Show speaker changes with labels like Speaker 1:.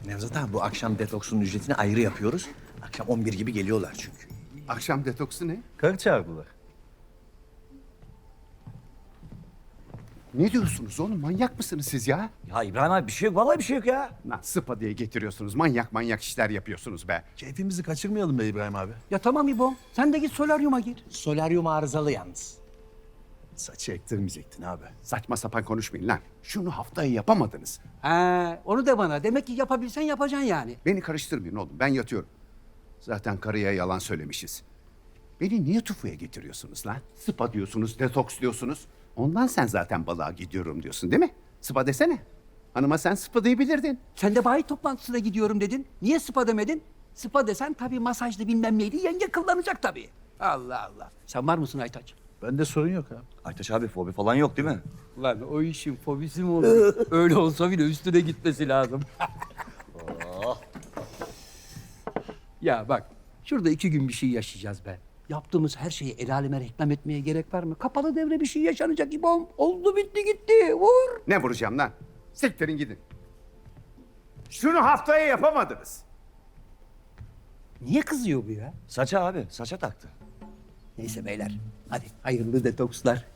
Speaker 1: Nevzat abi bu akşam detoksun ücretini ayrı yapıyoruz. Akşam 11 gibi geliyorlar çünkü.
Speaker 2: Akşam detoksu ne?
Speaker 3: Karı çağırdılar.
Speaker 2: Ne diyorsunuz oğlum? Manyak mısınız siz ya?
Speaker 3: Ya İbrahim abi bir şey yok. Vallahi bir şey yok ya.
Speaker 2: Lan spa diye getiriyorsunuz. Manyak manyak işler yapıyorsunuz be.
Speaker 4: Keyfimizi kaçırmayalım be İbrahim abi.
Speaker 5: Ya tamam İbo. Sen de git solaryuma gir.
Speaker 1: Solaryum arızalı yalnız.
Speaker 4: Saçı ektirmeyecektin abi.
Speaker 2: Saçma sapan konuşmayın lan. Şunu haftaya yapamadınız.
Speaker 5: Onu de bana. Demek ki yapabilsen yapacaksın yani.
Speaker 2: Beni karıştırmayın oğlum. Ben yatıyorum. Zaten karıya yalan söylemişiz. Beni niye tufuya getiriyorsunuz lan? Spa diyorsunuz, detoks diyorsunuz. Ondan sen zaten balığa gidiyorum diyorsun değil mi? Spa desene. Hanıma sen spa diyebilirdin.
Speaker 5: Sen de bayi toplantısına gidiyorum dedin. Niye spa demedin? Spa desen tabii masajlı bilmem neydi. Yenge kullanacak tabii. Allah Allah. Sen var mısın Aytaç?
Speaker 4: Bende sorun yok abi.
Speaker 3: Aytaç abi fobi falan yok değil mi?
Speaker 5: Lan o işin fobisi mi olur? Öyle olsa bile üstüne gitmesi lazım. Ya bak, şurada 2 gün bir şey yaşayacağız be. Yaptığımız her şeyi el aleme reklam etmeye gerek var mı? Kapalı devre bir şey yaşanacak İbom. Oldu bitti gitti. Vur.
Speaker 2: Ne vuracağım lan? Siktirin gidin. Şunu haftaya yapamadınız.
Speaker 5: Niye kızıyor bu ya?
Speaker 3: Saça abi. Saça taktı.
Speaker 5: Neyse beyler, hadi hayırlı detokslar.